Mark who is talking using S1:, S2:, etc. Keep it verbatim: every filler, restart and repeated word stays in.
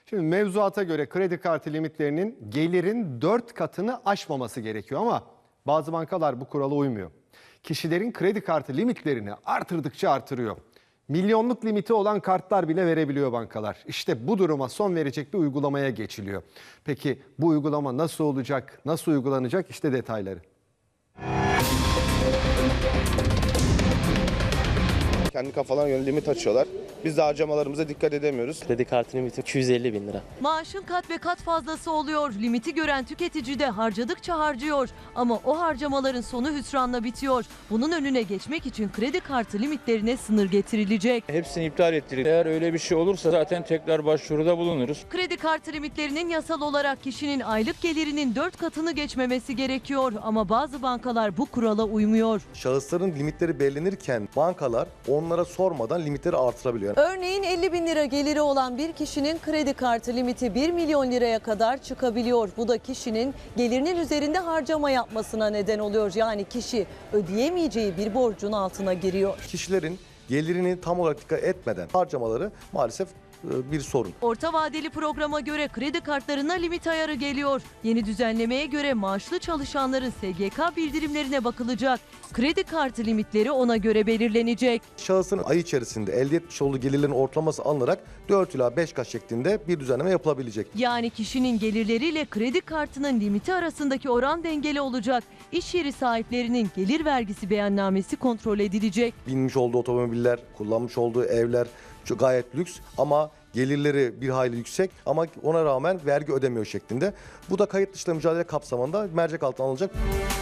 S1: Şimdi mevzuata göre kredi kartı limitlerinin gelirin dört katını aşmaması gerekiyor ama bazı bankalar bu kurala uymuyor. Kişilerin kredi kartı limitlerini artırdıkça artırıyor. Milyonluk limiti olan kartlar bile verebiliyor bankalar. İşte bu duruma son verecek bir uygulamaya geçiliyor. Peki bu uygulama nasıl olacak, nasıl uygulanacak? İşte detayları.
S2: Kendi kafalarına göre limit açıyorlar. Biz de harcamalarımıza dikkat edemiyoruz.
S3: Kredi kartı limiti iki yüz elli bin lira.
S4: Maaşın kat ve kat fazlası oluyor. Limiti gören tüketici de harcadıkça harcıyor. Ama o harcamaların sonu hüsranla bitiyor. Bunun önüne geçmek için kredi kartı limitlerine sınır getirilecek.
S5: Hepsini iptal ettirdik. Eğer öyle bir şey olursa zaten tekrar başvuruda bulunuruz.
S4: Kredi kartı limitlerinin yasal olarak kişinin aylık gelirinin dört katını geçmemesi gerekiyor. Ama bazı bankalar bu kurala uymuyor.
S6: Şahısların limitleri belirlenirken bankalar onlara sormadan limitleri artırabiliyor.
S7: Örneğin elli bin lira geliri olan bir kişinin kredi kartı limiti bir milyon liraya kadar çıkabiliyor. Bu da kişinin gelirinin üzerinde harcama yapmasına neden oluyor. Yani kişi ödeyemeyeceği bir borcun altına giriyor.
S6: Kişilerin gelirini tam olarak dikkat etmeden harcamaları maalesef bir sorun.
S4: Orta vadeli programa göre kredi kartlarına limit ayarı geliyor. Yeni düzenlemeye göre maaşlı çalışanların S G K bildirimlerine bakılacak. Kredi kartı limitleri ona göre belirlenecek.
S6: Şahısın ay içerisinde elde etmiş olduğu gelirlerin ortalaması alınarak dört ila beş kat şeklinde bir düzenleme yapılabilecek.
S4: Yani kişinin gelirleriyle kredi kartının limiti arasındaki oran dengeli olacak. İş yeri sahiplerinin gelir vergisi beyannamesi kontrol edilecek.
S6: Binmiş olduğu otomobiller, kullanmış olduğu evler çok gayet lüks ama gelirleri bir hayli yüksek ama ona rağmen vergi ödemiyor şeklinde. Bu da kayıt dışıyla mücadele kapsamında mercek altına alınacak.